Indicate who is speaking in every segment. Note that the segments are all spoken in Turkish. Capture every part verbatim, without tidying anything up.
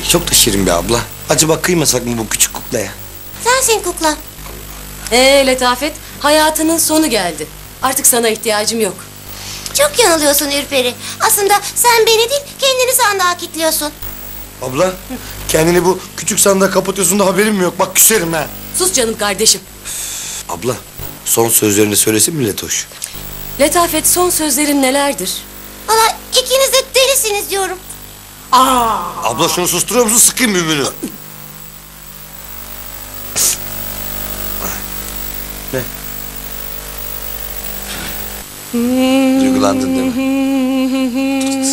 Speaker 1: Çok da şirin bir abla. Acaba kıymasak mı bu küçük kuklaya?
Speaker 2: Sensin kukla.
Speaker 3: Ee Letafet, hayatının sonu geldi. Artık sana ihtiyacım yok.
Speaker 2: Çok yanılıyorsun Ürperi. Aslında sen beni değil, kendini sandığa kilitliyorsun.
Speaker 1: Abla, kendini bu küçük sandığa kapatıyorsun da haberim mi yok? Bak küserim ha.
Speaker 3: Sus canım kardeşim.
Speaker 1: Abla, son sözlerini söylesin mi Letoş?
Speaker 3: Letafet, son sözlerin nelerdir?
Speaker 2: Valla ikiniz de delisiniz diyorum.
Speaker 3: Aa!
Speaker 1: Abla şunu susturuyor musun? Sıkayım mümünü. Ne? Duygulandın değil mi?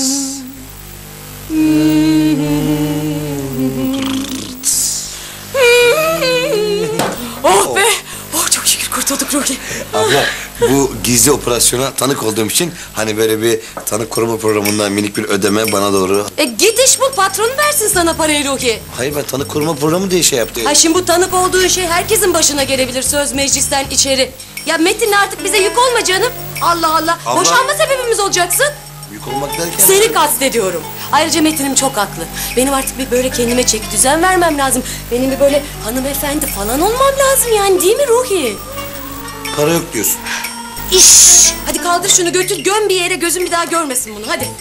Speaker 3: Oh be! Oh çok şükür kurtulduk Ruki.
Speaker 1: Abla, bu gizli operasyona tanık olduğum için hani böyle bir tanık koruma programından minik bir ödeme bana doğru.
Speaker 3: E git iş bul, patron versin sana parayı Ruki.
Speaker 1: Hayır, ben tanık koruma programı diye şey yaptım.
Speaker 3: Ha şimdi bu tanık olduğun şey herkesin başına gelebilir, söz meclisten içeri. Ya Metin artık bize yük olma canım. Allah Allah.
Speaker 1: Abla.
Speaker 3: Boşanma sebebimiz olacaksın.
Speaker 1: Yük olmak derken...
Speaker 3: Seni kastediyorum. Ayrıca Metin'im çok haklı. Benim artık bir böyle kendime çeki düzen vermem lazım. Benim bir böyle hanımefendi falan olmam lazım yani, değil mi Ruhi?
Speaker 1: Para yok diyorsun.
Speaker 3: İş. Hadi kaldır şunu, götür göm bir yere, gözüm bir daha görmesin bunu, hadi.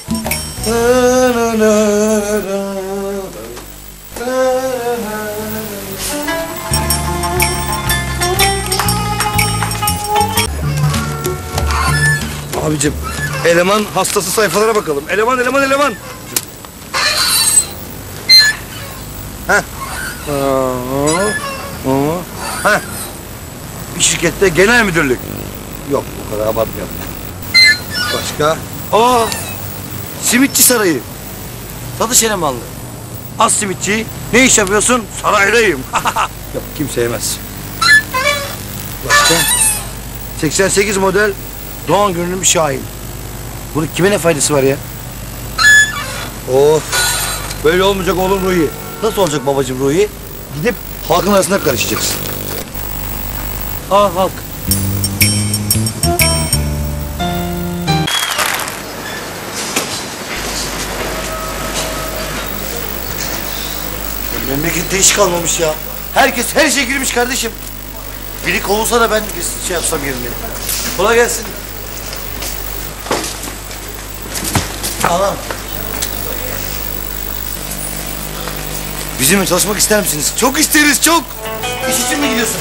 Speaker 1: Abicim, eleman hastası sayfalara bakalım. Eleman, eleman, eleman. Heh. Heh. Bir şirkette genel müdürlük. Yok, bu kadar abartmayalım. Başka? Aa! Simitçi sarayı. Satış elemanlı. Az simitçi. Ne iş yapıyorsun? Saraydayım. Yok, kimse yemez. Başka? seksen sekiz model Doğan görünümlü Şahin. Bunun kime ne faydası var ya? Of! Böyle olmayacak oğlum Ruhi. Nasıl olacak babacığım Ruhi? Gidip halkın arasında karışacaksın. Aa halk. Memlekette iş kalmamış ya. Herkes her işe girmiş kardeşim. Biri kovulsa da ben şey yapsam yerine. Kolay gelsin. Tamam. Bizimle çalışmak ister misiniz? Çok isteriz, çok. İş için mi gidiyorsun?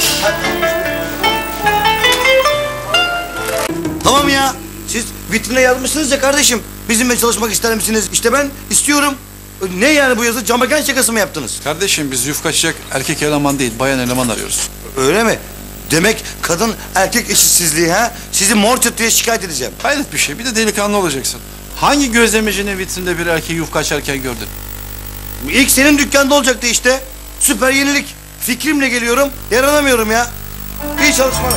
Speaker 1: Tamam ya. Siz vitrine yazmışsınız ya kardeşim. Bizimle çalışmak ister misiniz? İşte ben istiyorum. Ne yani bu yazı? Camaken şakası mı yaptınız?
Speaker 4: Kardeşim biz yufka açacak erkek eleman değil, bayan eleman arıyoruz.
Speaker 1: Öyle mi? Demek kadın erkek eşitsizliği ha? Sizi mor çatıya şikayet edeceğim.
Speaker 4: Hayret bir şey, bir de delikanlı olacaksın. Hangi gözlemecinin vitrinde bir erkeği yufka açarken gördün?
Speaker 1: İlk senin dükkanda olacaktı işte. Süper yenilik. Fikrimle geliyorum, yaranamıyorum ya. İyi çalışmalar.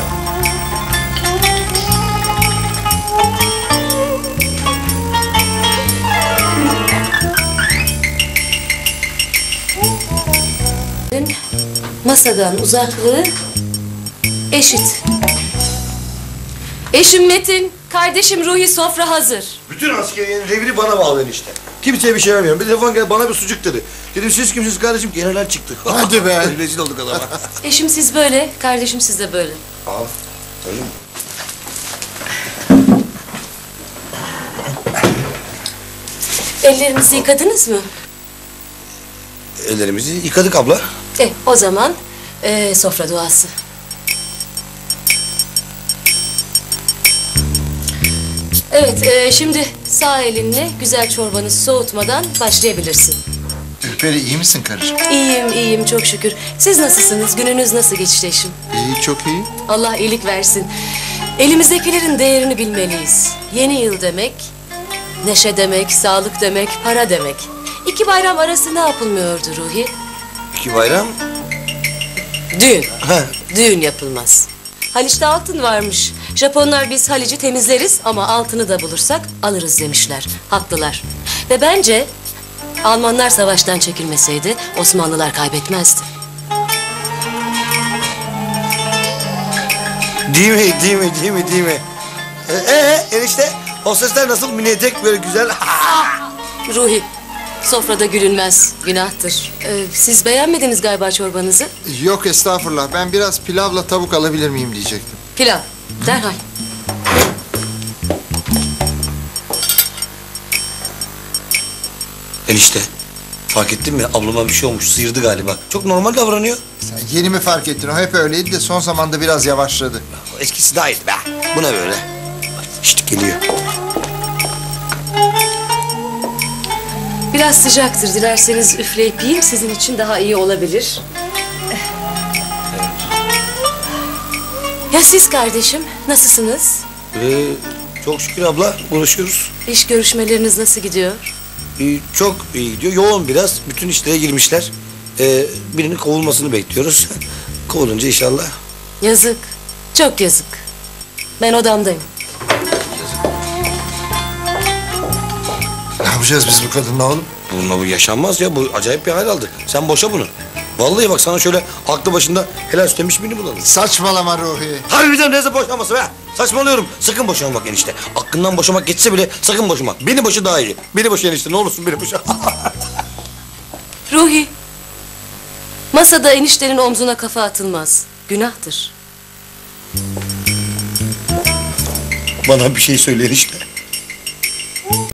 Speaker 3: Masadan uzaklığı eşit. Eşim Metin, kardeşim Ruhi, sofra hazır.
Speaker 1: Bütün askeriyenin reviri bana bağlı işte. Kimseye bir şey vermiyorum. Bir telefon geldi, bana bir sucuk dedi. Dedim siz kimsiniz kardeşim? General çıktı. Hadi be. Rezil olduk adama.
Speaker 3: Eşim siz böyle, kardeşim siz de böyle.
Speaker 1: Al. Öyle mi?
Speaker 3: Ellerinizi yıkadınız mı?
Speaker 1: Ellerimizi yıkadık abla.
Speaker 3: E, o zaman e, sofra duası. Evet, e, şimdi sağ elinle güzel çorbanı soğutmadan başlayabilirsin.
Speaker 5: Ürperi iyi misin karıcığım?
Speaker 3: İyiyim, iyiyim çok şükür. Siz nasılsınız? Gününüz nasıl geçti eşim?
Speaker 5: İyi, çok iyi.
Speaker 3: Allah iyilik versin. Elimizdekilerin değerini bilmeliyiz. Yeni yıl demek, neşe demek, sağlık demek, para demek. İki bayram arası ne yapılmıyordu Ruhi?
Speaker 1: İki bayram.
Speaker 3: Düğün. Düğün yapılmaz. Haliç'te altın varmış. Japonlar biz Haliç'i temizleriz ama altını da bulursak alırız demişler. Haklılar. Ve bence Almanlar savaştan çekilmeseydi Osmanlılar kaybetmezdi.
Speaker 1: Değil mi, değil mi, değil mi, değil mi? Ee, ee enişte, o sesler nasıl? Mini etek böyle güzel.
Speaker 3: Ruhi, Sofrada gülünmez, günahtır. Ee, siz beğenmediniz galiba çorbanızı.
Speaker 5: Yok estağfurullah. Ben biraz pilavla tavuk alabilir miyim diyecektim.
Speaker 3: Pilav, derhal.
Speaker 1: Enişte. Fark ettin mi? Ablama bir şey olmuş. Sıyırdı galiba. Çok normal davranıyor.
Speaker 5: Sen yeni mi fark ettin? O hep öyleydi de son zamanda biraz yavaşladı.
Speaker 1: Eskisi daha iyiydi be. Bu ne böyle? İşte geliyor.
Speaker 3: Biraz sıcaktır. Dilerseniz üfleyip yiyeyim. Sizin için daha iyi olabilir. Ya siz kardeşim, nasılsınız?
Speaker 1: Ee, çok şükür abla. Uğraşıyoruz.
Speaker 3: İş görüşmeleriniz nasıl gidiyor?
Speaker 1: Ee, çok iyi gidiyor. Yoğun biraz. Bütün işlere girmişler. Ee, birinin kovulmasını bekliyoruz. Kovulunca inşallah.
Speaker 3: Yazık. Çok yazık. Ben odamdayım.
Speaker 5: Ne yapacağız biz bu kadınla oğlum?
Speaker 1: Bununla bu yaşanmaz ya. Bu acayip bir hal aldı. Sen boşa bunu. Vallahi bak sana şöyle aklı başında helal süt emmiş birini bulalım.
Speaker 5: Saçmalama Ruhi.
Speaker 1: Harbiden neyse boşanması be. Saçmalıyorum. Sakın boşanmak enişte. Aklından boşamak geçse bile sakın boşama. Beni boşu daha iyi. Beni boşa enişte. Ne olursun beni boşa.
Speaker 3: Ruhi. Masada eniştenin omzuna kafa atılmaz. Günahtır.
Speaker 1: Bana bir şey söyle enişte.